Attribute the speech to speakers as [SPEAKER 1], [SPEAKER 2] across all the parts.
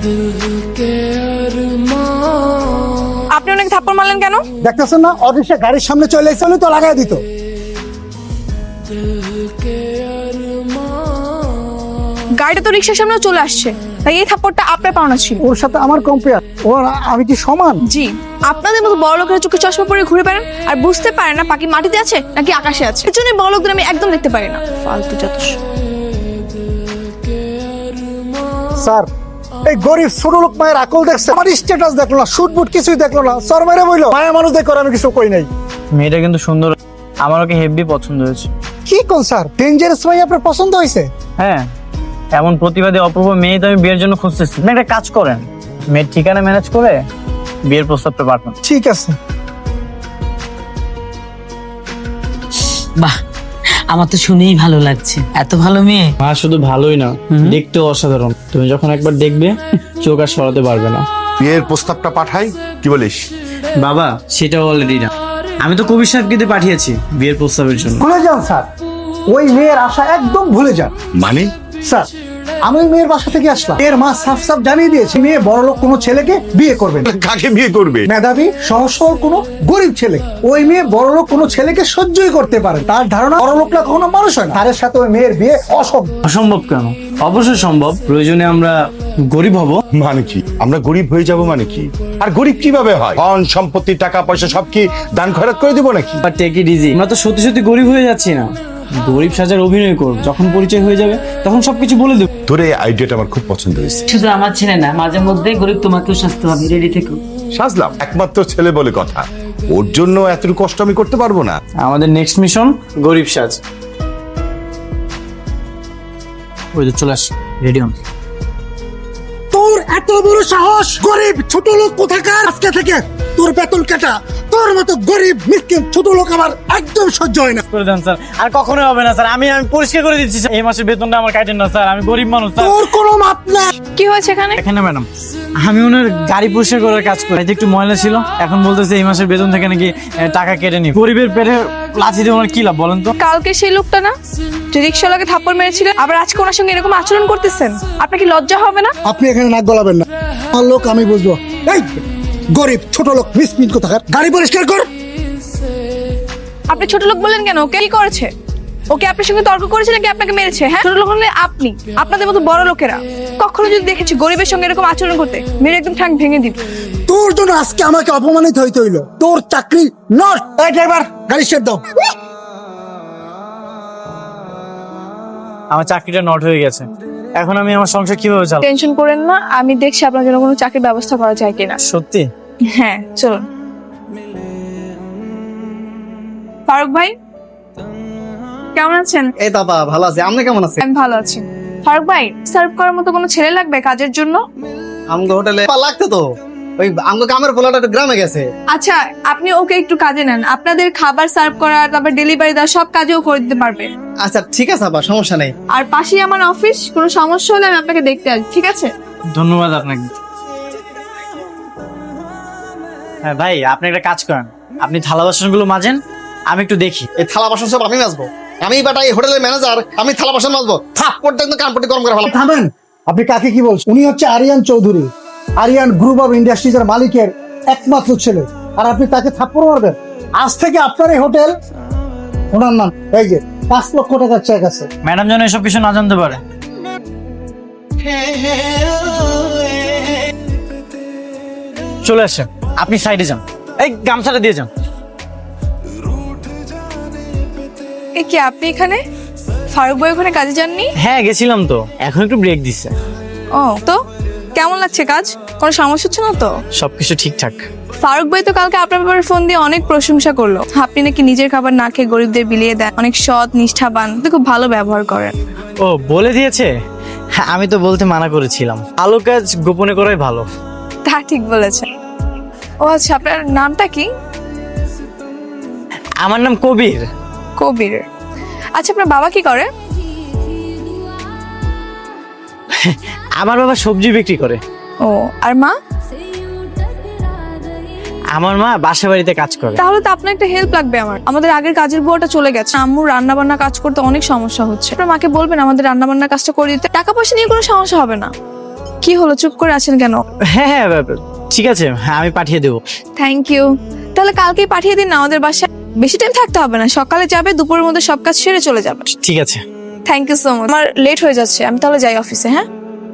[SPEAKER 1] আপনি ওনাকে থাপ্পড় মারলেন কেন?
[SPEAKER 2] দেখতেছেন না অফিসে গাড়ির সামনে চলে এসে তো লাগাই দিত।
[SPEAKER 1] গাড়িটা তো রিক্সার সামনেও চলে আসছে, তাই এই থাপ্পড়টা আপনার পাওনা ছিল।
[SPEAKER 2] ওর সাথে আমার কম্পেয়ার, ওর আমি কি সমান?
[SPEAKER 1] জি, আপনাদের মতো বড় লোকেরা চোখে চশমা পরে ঘুরে বেড়ান আর বুঝতে পারে না পাখি মাটিতে আছে নাকি আকাশে আছে। এর জন্য বড় লোকদের আমি একদম দেখতে পারি না, ফালতু যত সব।
[SPEAKER 2] স্যার, এই গরিব ছোট লোক মায়ের আকল দেখছে, আমার স্ট্যাটাস দেখলো না, শুট বুট কিছুই দেখলো না, সর মেরে বইলো মায়া মানুষ দেখো, আমি কিছু কই নাই।
[SPEAKER 3] মেয়েটা কিন্তু সুন্দর, আমার ওকে হেভি পছন্দ হয়েছে।
[SPEAKER 2] কি কোন স্যার, ডেঞ্জারাস মাই আপনার পছন্দ হয়েছে?
[SPEAKER 3] হ্যাঁ, এমন প্রতিবাদী অপূর্ব মেয়ে তো আমি বিয়ের জন্য খুঁজতেছি। আপনি একটা কাজ করেন, মেয়ের ঠিকানা ম্যানেজ করে বিয়ের প্রস্তাবটা পাঠান।
[SPEAKER 2] ঠিক আছে।
[SPEAKER 4] বাহ, আমার তো শুনেই ভালো লাগছে, এত ভালো মেয়ে।
[SPEAKER 3] মা শুধু ভালোই না, দেখতেও অসাধারণ। তুমি যখন একবার দেখবে চোখ আর সরাতে পারবে না।
[SPEAKER 5] বিয়ের প্রস্তাবটা পাঠাই, কি বলিস?
[SPEAKER 3] বাবা, সেটা অলরেডি না, আমি তো কবির সাহেবকে দিয়ে পাঠিয়েছি বিয়ের প্রস্তাবের জন্য।
[SPEAKER 2] ভুলে যান স্যার, ওই মেয়ের আশা একদম ভুলে যান।
[SPEAKER 5] মানে
[SPEAKER 2] স্যার, আমি ওই মেয়ের বাসা থেকে আসলাম, এর মা সাফ সাফ জানিয়ে দিয়েছে মেয়ে বড় লোক কোনো ছেলেকে বিয়ে করবে না।
[SPEAKER 5] কাকে বিয়ে করবে?
[SPEAKER 2] মেধাবী সহজ সরল কোনো গরিব ছেলে। ওই মেয়ে বড় লোক কোনো ছেলেকে সহ্যই করতে পারে, তার ধারণা বড় লোকরা কখনো মানুষ হয় না। তার সাথে ওই মেয়ের বিয়ে অসম্ভব।
[SPEAKER 3] অসম্ভব কেন? অবশ্যই সম্ভব, প্রয়োজনে আমরা গরিব হব।
[SPEAKER 5] মানে কি আমরা গরিব হয়ে যাব? মানে কি? আর গরিব কিভাবে হয়? ধন সম্পত্তি টাকা পয়সা সব কি দান খয়রাত করে দিব নাকি?
[SPEAKER 3] বাট টেক ইট ইজি, আমরা তো সত্যি সত্যি গরিব হয়ে যাচ্ছি না, গরিব সাজার অভিনয় করব। যখন পরিচয় হয়ে যাবে তখন সবকিছু বলে দেব।
[SPEAKER 5] তোর এই আইডিয়াটা আমার খুব পছন্দ হয়েছে।
[SPEAKER 4] শুধু আমার ছেলে না, মাঝে মধ্যে গরিব তোমাকেও শাস্তি হবে, রেডি থেকো।
[SPEAKER 5] সাজলাম, একমাত্র ছেলে বলে কথা, ওর জন্য এতটুকু কষ্ট আমি করতে পারবো না।
[SPEAKER 3] আমাদের নেক্সট মিশন গরিব সাজ। ওই যে চলে আস, রেডি হন।
[SPEAKER 2] তোর এত বড় সাহস! গরিব ছোট লোক কোথাকার! আজকে থেকে তোর বেতন কাটা। তোর মতো গরিব মিসকিন ছোট লোক আমার একদম সহ্য হয় না।
[SPEAKER 3] করে দেন স্যার, আর কখনোই হবে না স্যার। আমি পরিষ্কার করে দিচ্ছি স্যার, এই মাসের বেতনটা আমার কাটেন না স্যার, আমি গরিব মানুষ স্যার।
[SPEAKER 2] তোর কোনো মাপ না।
[SPEAKER 1] কি হয়েছে এখানে?
[SPEAKER 3] এখানে ম্যাডাম, আমি ওনার গাড়ি পরিষ্কার করার কাজ করি, একটু ময়লা ছিল, এখন বলতেছে এই মাসের বেতন থেকে নাকি টাকা কেটে নি। গরিবের পেটে লাথি দিয়ে ওনার কি লাভ বলেন তো?
[SPEAKER 1] কালকে সেই লোকটা না যে রিক্সাওয়ালাকে থাপ্পড় মেরেছিলেন, আবার আজকে ওনার সঙ্গে এরকম আচরণ করতেছেন, আপনার কি লজ্জা হবে না?
[SPEAKER 2] আপনি এখানে নাক গলাবেন না, আমার লোক আমি বুঝবো। এই গরিব ছোট লোক মিসকিন কোথাকার, গাড়ি পরিষ্কার কর।
[SPEAKER 1] আপনি ছোট লোক বললেন কেন? ওকে কি করেছে? ওকে আপনার সঙ্গে তর্ক করেছে নাকি আপনাকে মেরেছে? হ্যাঁ, ছোট লোক হলে আপনি, আপনাদের মতো বড় লোকেরা কখনো যদি দেখেছি গরিবের সঙ্গে এরকম আচরণ করতে, মেরে একদম ঠ্যাং ভেঙে দিন।
[SPEAKER 2] তোর জন্য আজকে আমাকে অপমানিত হইতে হইলো। তোর চাকরি নট। এই ড্রাইভার, গাড়ি স্টার্ট দাও।
[SPEAKER 3] আমার চাকরিটা নট হয়ে গেছে, এখন আমি আমার সংসার কিভাবে চালাবো?
[SPEAKER 1] টেনশন করেন না, আমি দেখছি আপনার জন্য কোনো চাকরির ব্যবস্থা করা যায় কিনা।
[SPEAKER 3] সত্যি?
[SPEAKER 1] হ্যাঁ, চলুন। ফারুক ভাই, কেমন আছেন?
[SPEAKER 6] এই বাবা ভালো আছে, আপনি কেমন আছেন?
[SPEAKER 1] আমি ভালো আছি। ফারুক ভাই, সার্ভ করার মতো কোনো ছেলে লাগবে কাজের জন্য?
[SPEAKER 6] আমগো হোটেলে লাগতো তো, ওই আমগো কামের পোলাটা একটু গ্রামে গেছে।
[SPEAKER 1] আচ্ছা, আপনি ওকে একটু কাজে নেন, আপনাদের খাবার সার্ভ করা, তারপর ডেলিভারি দেওয়া সব কাজেও করে দিতে পারবে।
[SPEAKER 6] আচ্ছা ঠিক আছে আপা, সমস্যা নেই।
[SPEAKER 1] আর পাশেই আমার অফিস, কোনো সমস্যা হলে আমি আপনাকে দেখতে আসবো, ঠিক আছে?
[SPEAKER 3] ধন্যবাদ আপনাকে। হ্যাঁ ভাই, আপনি একটা কাজ করেন, আপনি থালা বাসনগুলো মাজেন, আমি একটু দেখি।
[SPEAKER 6] এই থালা বাসন সব আমি মাজবো, আমি বাটা এই হোটেলের ম্যানেজার, আমি থালা বাসন মাজবো। থাপ্পড়টা কিন্তু কানপট্টি গরম করে ভালো।
[SPEAKER 2] থামেন, আপনি কাকে কি বলছেন? উনি হচ্ছে আরিয়ান চৌধুরী, আরিয়ান গ্রুপ অফ ইন্ডাস্ট্রিজের মালিকের একমাত্র ছেলে, আর আপনি তাকে থাপ্পড় মারবেন? আজ থেকে আপনার এই হোটেল, ওনার নাম এই যে 5 লক্ষ টাকার চেক আছে।
[SPEAKER 3] ম্যাডাম যেন এসব কিছু না জানতে পারে। চলে আসেন, আপনি সাইডে যান, এই গামছাটা দিয়ে যান।
[SPEAKER 1] এ কি, আপনি এখানে? ফারুক ভাই ওখানে কাজে যাননি?
[SPEAKER 3] হ্যাঁ গেছিলাম তো, এখন একটু ব্রেক দিচ্ছে।
[SPEAKER 1] ও, তো কেমন লাগছে কাজ? কোনো সমস্যা হচ্ছে না তো?
[SPEAKER 3] সবকিছু ঠিকঠাক।
[SPEAKER 1] ফারুক ভাই তো কালকে আপনার ব্যাপারে ফোন দিয়ে অনেক প্রশংসা করলো, আপনি নাকি নিজের খাবার না খেয়ে গরিবদের বিলিয়ে দেন, অনেক সৎ নিষ্ঠাবান, আপনি খুব ভালো ব্যবহার করেন।
[SPEAKER 3] ও বলে দিয়েছে? হ্যাঁ, আমি তো বলতে মানা করেছিলাম, ভালো কাজ গোপনে করাই ভালো।
[SPEAKER 1] তা ঠিক বলেছেন। ও আচ্ছা, আপনার নামটা কি?
[SPEAKER 3] আমার নাম কবির।
[SPEAKER 1] কবির। আচ্ছা, আপনার বাবা কি করে?
[SPEAKER 3] আমার বাবা সবজি বিক্রি করে।
[SPEAKER 1] ও, আর মা?
[SPEAKER 3] আমার মা বাসা বাড়িতে কাজ করে।
[SPEAKER 1] তাহলে তো আপনার একটা হেল্প লাগবে। আমাদের আগের কাজের বুয়াটা চলে গেছে, আম্মুর রান্না বান্না কাজ করতে অনেক সমস্যা হচ্ছে, আপনার মাকে বলবেন আমাদের রান্না বান্নার কাজটা করে দিতে, টাকা পয়সা নিয়ে কোনো সমস্যা হবে না। কি হলো, চুপ করে আছেন কেন?
[SPEAKER 3] হ্যাঁ হ্যাঁ ঠিক আছে, হ্যাঁ আমি পাঠিয়ে দেবো।
[SPEAKER 1] Thank you. তাহলে কালকেই পাঠিয়ে দিন না আমাদের বাসায়। বেশি টাইম থাকতে হবে না, সকালে যাবে, দুপুরের মধ্যে সব কাজ সেরে চলে যাবে।
[SPEAKER 3] ঠিক আছে।
[SPEAKER 1] Thank you so much. আমার লেট হয়ে যাচ্ছে, আমি তাহলে যাই অফিসে। হ্যাঁ,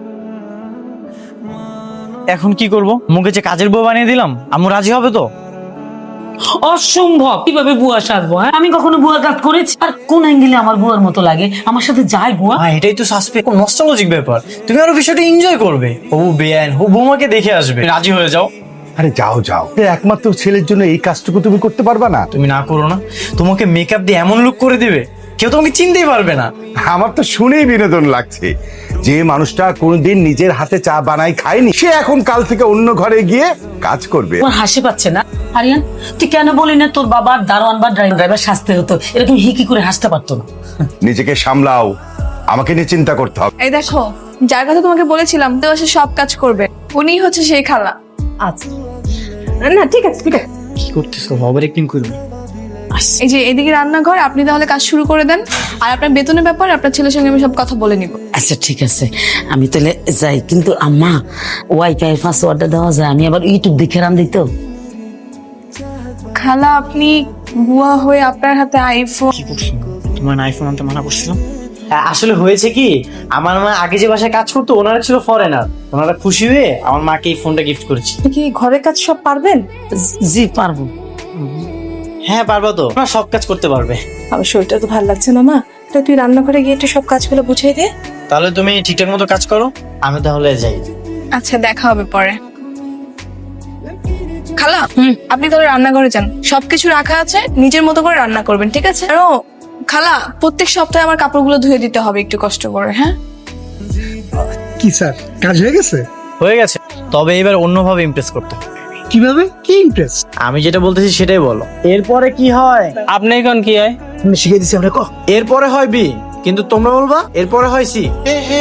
[SPEAKER 3] এখন কি করব? মুখে যে কাজের বউ বানিয়ে দিলাম, আম্মু রাজি হবে তো?
[SPEAKER 4] অসম্ভব, কিভাবে বুয়া সাজবো? হ্যাঁ, আমি কখনো বুয়া কাজ করেছি? আর কোন অ্যাঙ্গেলে আমার বুয়ার মতো লাগে? আমার সাথে যায় বুয়া?
[SPEAKER 3] এটাই তো সাসপেক্ট, নস্টালজিক ব্যাপার। তুমি আরো বিষয়টা এনজয় করবে। ও বেআইন, ও বৌমাকে দেখে আসবে, রাজি হয়ে যাও।
[SPEAKER 5] আরে যাও যাও, একমাত্র ছেলের জন্য এই কাজটুকু তুমি করতে পারবা না?
[SPEAKER 3] তুমি না করো না, তোমাকে মেকআপ দিয়ে এমন লুক করে দিবে কেউ তোমাকে চিনতেই পারবে না।
[SPEAKER 5] আমার তো শুনেই বিনোদন লাগছে। যে মানুষটা কোনোদিন নিজের হাতে চা বানাই খায়নি, সে এখন কাল থেকে অন্য ঘরে গিয়ে কাজ করবে।
[SPEAKER 4] আমার হাসি পাচ্ছে না? আরিয়ান, তুই কেন বলি না তোর বাবার দারোয়ান বা ড্রাইভার সাজতে হতো? এরকম হিকি করে হাসতে পারতো না?
[SPEAKER 5] নিজেকে সামলাও, আমাকে নিয়ে চিন্তা করতে হবে।
[SPEAKER 1] এই দেখো, যার কথা তোমাকে বলেছিলাম তো সে সব কাজ করবে, উনিই হচ্ছে সেই খালা।
[SPEAKER 4] আচ্ছা, না ঠিক আছে ঠিক আছে।
[SPEAKER 3] কি করতেছো? ওভার অ্যাক্টিং করবে।
[SPEAKER 1] এই যে এদিকে রান্নাঘর, আপনি তাহলে কাজ শুরু করে দেন। আর আপনার বেতনের ব্যাপারে আপনার ছেলের সঙ্গে আমি সব কথা বলে নিব।
[SPEAKER 4] আচ্ছা ঠিক আছে, আমি তাহলে যাই। কিন্তু আম্মা, ওয়াইফাই পাসওয়ার্ডটা দেওয়া যায়? আমি আবার ইউটিউব দেখে রান দিত।
[SPEAKER 1] খালা, আপনি বুয়া হয়ে আপনার হাতে আইফোন।
[SPEAKER 3] কি করছো? তোমার আইফোন আনতে মানা করছিলাম। আসলে হয়েছে কি, আমার মা আগে যে বাসায় কাজ করতো ওনারা ছিল ফরেনার, ওনারা খুশি হয়ে আমার মাকে এই ফোনটা গিফট করেছি।
[SPEAKER 1] কি ঘরের কাজ সব পারবেন?
[SPEAKER 4] জি পারবো।
[SPEAKER 3] হ্যাঁ পারবো তো, ওরা সব কাজ করতে পারবে।
[SPEAKER 1] আমার শরীরটা তো ভালো লাগছে না মা, তো তুই রান্নাঘরে গিয়ে একটু সব কাজগুলো বুঝিয়ে দে।
[SPEAKER 3] তাহলে তুমি ঠিকঠাক মতো কাজ করো, আমি তাহলে যাই।
[SPEAKER 1] আচ্ছা, দেখা হবে পরে। খালা, আপনি তাহলে রান্নাঘরে যান, সবকিছু রাখা আছে, নিজের মতো করে রান্না করবেন, ঠিক আছে? আরো খালা, প্রত্যেক সপ্তাহে আমার কাপড়গুলো ধুয়ে দিতে হবে একটু কষ্ট করে। হ্যাঁ,
[SPEAKER 2] কি স্যার, কাজ হয়ে গেছে?
[SPEAKER 3] হয়ে গেছে, তবে এবার অন্যভাবে ইমপ্রেস করতে হবে।
[SPEAKER 2] কিভাবে? কি ইন্টারেস্ট?
[SPEAKER 3] আমি যেটা বলতেছি সেটাই বলো। এরপরে কি হয়? আপনি এখন কি হয়?
[SPEAKER 2] তুমি শিখিয়ে দিচ্ছি আমরা।
[SPEAKER 3] এরপরে হয় বি, কিন্তু তোমরা বলবা এরপরে হয় সি।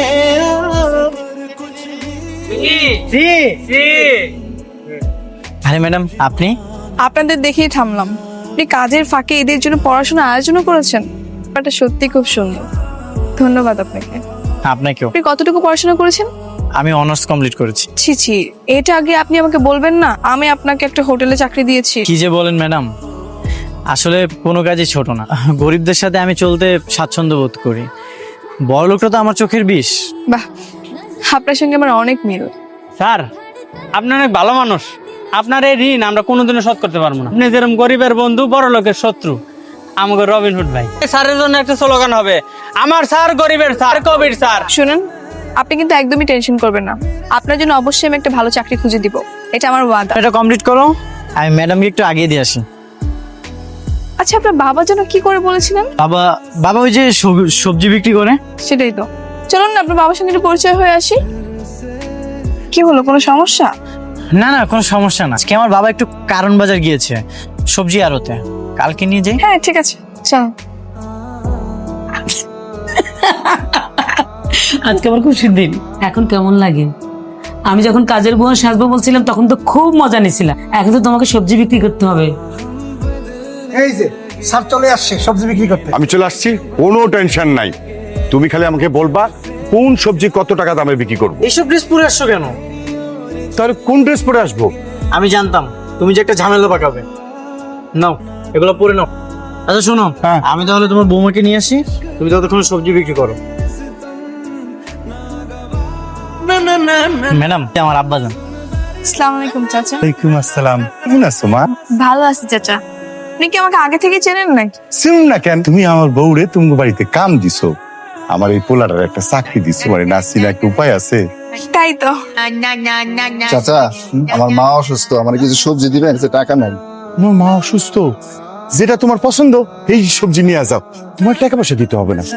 [SPEAKER 3] আরে ম্যাডাম, আপনি?
[SPEAKER 1] আপনাদের দেখেই থামলাম। আপনি কাজের ফাঁকে এদের জন্য পড়াশোনা আয়োজনও করেছেন, এটা সত্যি খুব সুন্দর। ধন্যবাদ আপনাকে।
[SPEAKER 3] আপনাকেও।
[SPEAKER 1] আপনি কতটুকু পড়াশোনা করেছেন?
[SPEAKER 3] আমি অনার্স কমপ্লিট করেছি।
[SPEAKER 1] ছি ছি, এটা আগে আপনি আমাকে বলবেন না? আমি আপনাকে একটা হোটেলে চাকরি দিয়েছি।
[SPEAKER 3] কি যে বলেন ম্যাডাম, আসলে কোনো কাজই ছোট না। গরিবদের সাথে আমি চলতে স্বাচ্ছন্দ্য বোধ করি, বড় লোকটা তো আমার চোখের বিষ।
[SPEAKER 1] বাহ, আপনার সঙ্গে আমার অনেক মিল।
[SPEAKER 7] স্যার, আপনি অনেক ভালো মানুষ। আপনার এই ঋণ আমরা কোনোদিনও শোধ করতে পারবো না। আপনি যেরকম গরিবের বন্ধু, বড় লোকের শত্রু, আমাকে রবিনহুড ভাই। স্যারের জন্য একটা স্লোগান হবে, আমার স্যার গরিবের স্যার, কবির স্যার।
[SPEAKER 1] শুনুন, আপনি কিন্তু একদমই টেনশন করবেন না, আপনার জন্য অবশ্যই আমি একটা ভালো চাকরি খুঁজে দিব, এটা আমার ওয়াদা।
[SPEAKER 3] এটা কমপ্লিট করো, আমি ম্যাডামকে একটু আগিয়ে দিয়ে আসি।
[SPEAKER 1] আচ্ছা, আপনার বাবা যেন কি করে বলেছিলেন?
[SPEAKER 3] বাবা বাবা ওই যে সবজি বিক্রি করে।
[SPEAKER 1] সেটাই তো। চলুন না আপনার বাবার সঙ্গে একটু পরিচয় হয়ে আসি। কি হলো, কোনো সমস্যা?
[SPEAKER 3] না না, কোনো সমস্যা না। আজকে আমার বাবা একটু কারণ বাজার গিয়েছে সবজি আড়তে, কালকে নিয়ে যাই।
[SPEAKER 1] হ্যাঁ ঠিক আছে, চল।
[SPEAKER 4] আজকে আমার খুশির দিন। এখন কেমন লাগে? আমি যখন কাজের বুয়া সাজবো বলছিলাম তখন তো খুব মজা নিছিলাম। এখন তো তোমাকে সবজি বিক্রি করতে হবে।
[SPEAKER 2] এই যে স্যার চলে আসছে সবজি বিক্রি করতে।
[SPEAKER 5] আমি চলে আসছি, কোনো টেনশন নাই। তুমি খালি আমাকে বলবা কোন সবজি কত টাকা দামে বিক্রি করবো।
[SPEAKER 3] এইসব ড্রেস পরে আসছো কেন?
[SPEAKER 5] তাহলে কোন ড্রেস পরে আসবো?
[SPEAKER 3] আমি জানতাম তুমি যে একটা ঝামেলা পাকাবে। নাও, এগুলো পরে নাও। আচ্ছা শোনো,
[SPEAKER 5] হ্যাঁ।
[SPEAKER 3] আমি তাহলে তোমার বৌমাকে নিয়ে আসি, তুমি ততক্ষণ সবজি বিক্রি করো। ম্যাডাম, আমার আব্বা যান।
[SPEAKER 1] আসসালামু আলাইকুম চাচা।
[SPEAKER 5] ওয়ালাইকুম আসসালাম। কেমন আছো মা?
[SPEAKER 1] ভালো আছি চাচা। আপনি কি আমাকে আগে থেকে চেনেন নাকি?
[SPEAKER 5] শুনুন না কেন, তুমি আমার বউরে তুমি বাড়িতে কাম দিছো, আমার এই পোলাটার একটা চাকরি দিছো, মানে নাসির একটা উপায় আছে।
[SPEAKER 1] তাই তো।
[SPEAKER 6] চাচা, আমার মা অসুস্থ, আমার কিছু সবজি দিবেন, কিছু টাকা নাই।
[SPEAKER 5] তোমার মা অসুস্থ, যেটা তোমার পছন্দ এই সবজি নিয়ে যাও, তোমার টাকা পয়সা দিতে হবে না।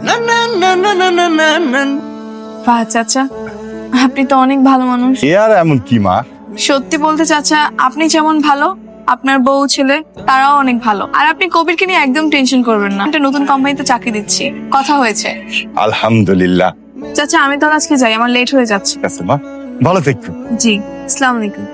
[SPEAKER 1] বাহ চাচা, আপনি তো অনেক ভালো মানুষ।
[SPEAKER 5] এ আর এমন কি মা?
[SPEAKER 1] সত্যি বলতে চাচা, আপনি যেমন ভালো, আপনার বউ ছেলে তারাও অনেক ভালো। আর আপনি কবিরকে নিয়ে একদম টেনশন করবেন না, একটা নতুন কোম্পানিতে চাকরি দিচ্ছি, কথা হয়েছে।
[SPEAKER 5] আলহামদুলিল্লাহ।
[SPEAKER 1] চাচা আমি তাহলে আজকে যাই, আমার লেট হয়ে যাচ্ছে।
[SPEAKER 5] ঠিক আছে মা, ভালো থেকো।
[SPEAKER 1] জি, আসসালামু আলাইকুম।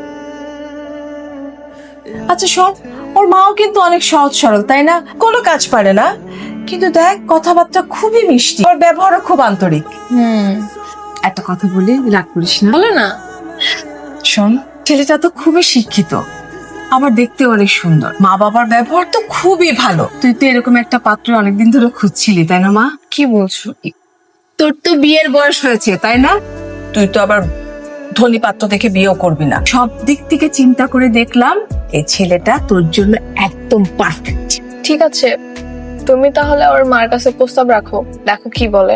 [SPEAKER 8] আচ্ছা শোন, ওর মাও কিন্তু অনেক সহজ সরল, তাই না? কোনো কাজ পারে না, কিন্তু দেখ কথাবার্তা খুবই মিষ্টি, ওর ব্যবহারও খুব আন্তরিক। একটা কথা বলি, রাগ করিস না।
[SPEAKER 1] বলো না।
[SPEAKER 8] শোন, ছেলেটা তো খুবই শিক্ষিত, আবার দেখতে অনেক সুন্দর, মা বাবার ব্যবহার তো খুবই ভালো। তুই তো এরকম একটা পাত্র অনেকদিন ধরে খুঁজছিলি, তাই না মা?
[SPEAKER 1] কি বলছো?
[SPEAKER 8] তোর তো বিয়ের বয়স হয়েছে, তাই না? তুই তো আবার ধনী পাত্র দেখে বিয়েও করবি না। সব দিক থেকে চিন্তা করে দেখলাম এই ছেলেটা তোর জন্য একদম পারফেক্ট।
[SPEAKER 1] ঠিক আছে, তুমি তাহলে ওর মার কাছে প্রস্তাব রাখো, দেখো কি বলে।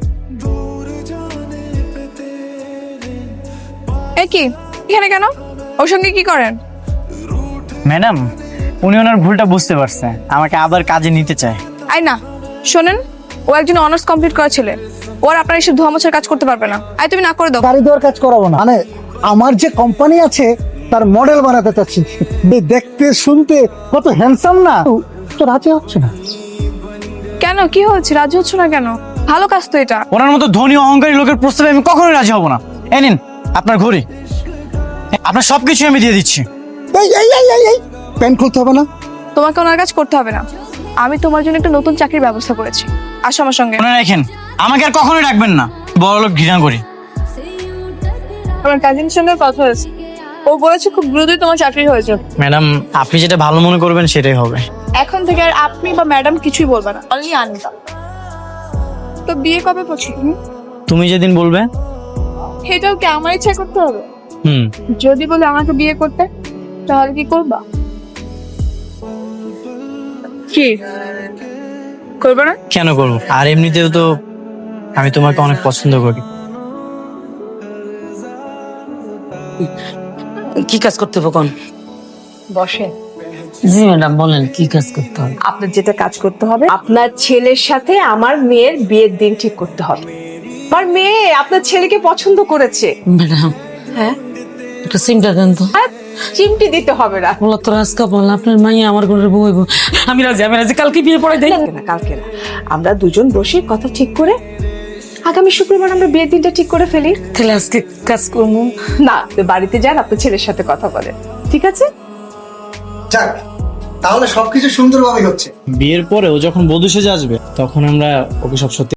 [SPEAKER 1] এ কি এখানে কেন? ওর সঙ্গে কি করেন?
[SPEAKER 3] ম্যাডাম, উনি ওনার ভুলটা বুঝতে পারছে, আমাকে আবার কাজে নিতে চায়।
[SPEAKER 1] আই না, শোনেন, ও একজন অনার্স কমপ্লিট করা ছেলে, ওর আপনার এসব ধোয়া মোছার কাজ করতে পারবে না। আই তুমি না করে দাও।
[SPEAKER 2] গাড়ি দেওয়ার কাজ করাবো না, মানে আমার যে কোম্পানি আছে তার মডেল বানাতে চাচ্ছি। দেখতে শুনতে কত হ্যান্ডসাম না, তো রাজি হচ্ছে না।
[SPEAKER 1] কেন, কি হয়েছে? রাজি হচ্ছ না কেন? ভালো কাজ তো এটা।
[SPEAKER 3] ওনার মতো ধনী অহংকারী লোকের প্রস্তাবে আমি কখনোই রাজি হব না। এই নিন আপনার ঘড়ি, আপনার সবকিছু আমি দিয়ে দিচ্ছি।
[SPEAKER 2] এই প্যান্ট খুলতে হবে না?
[SPEAKER 1] তোমাকে ওনার কাজ করতে হবে না, আমি তোমার জন্য একটা নতুন চাকরির ব্যবস্থা করেছি। আসো আমার সঙ্গে।
[SPEAKER 3] মনে রাখেন, আমাকে আর কখনোই ডাকবেন না, বড় লোক ঘৃণা করি।
[SPEAKER 1] আমার কাজিনের সঙ্গে কথা হয়েছে, ও বলেছে খুব দ্রুতই তোমার চাকরি হয়েছে।
[SPEAKER 3] ম্যাডাম, আপনি যেটা ভালো মনে করবেন সেটাই হবে।
[SPEAKER 1] এখন থেকে আর আপনি বা ম্যাডাম কিছুই বলবে না, অনলি আনিতা। তো বিয়ে কবে করছো তুমি?
[SPEAKER 3] তুমি যেদিন বলবে।
[SPEAKER 1] এটাও কি আমার ইচ্ছা করতে হবে?
[SPEAKER 3] হুম।
[SPEAKER 1] যদি বলে আমাকে বিয়ে করতে, তাহলে কি করবা? কি করবে না?
[SPEAKER 3] কেন করবো? আর এমনিতেও তো আমি তোমাকে অনেক পছন্দ করি।
[SPEAKER 4] কি কাজ করতে হবে কোন?
[SPEAKER 8] বসে।
[SPEAKER 4] জি ম্যাডাম, বলেন কি কাজ করতে হবে?
[SPEAKER 8] আপনার যেটা কাজ করতে হবে, আপনার ছেলের সাথে আমার মেয়ের বিয়ের দিন ঠিক করতে হবে। আমার মেয়ে আপনার ছেলেকে পছন্দ করেছে।
[SPEAKER 4] ম্যাডাম,
[SPEAKER 8] হ্যাঁ,
[SPEAKER 4] একটা সিমটা দেন তো।
[SPEAKER 8] আর চিমটি দিতে হবে না।
[SPEAKER 4] বলা তো রাজকা বল, আপনার মাইয়া আমার ঘরের বউ হইব। আমি রাজি, কালকে বিয়ে পড়াই দেয়।
[SPEAKER 8] কালকে না, আমরা দুজন বসে কথা ঠিক করে আগামী শুক্রবার আমরা বিয়ের দিনটা ঠিক করে ফেলি।
[SPEAKER 4] তাহলে আজকে কাজ করবো
[SPEAKER 8] না, আপনি বাড়িতে যান, আপনার ছেলের সাথে কথা বলেন, ঠিক আছে?
[SPEAKER 2] যাক, তাহলে সবকিছু সুন্দরভাবে হচ্ছে।
[SPEAKER 3] বিয়ের পরে ও যখন বধূ সেজে আসবে তখন আমরা ওকে সব সত্যি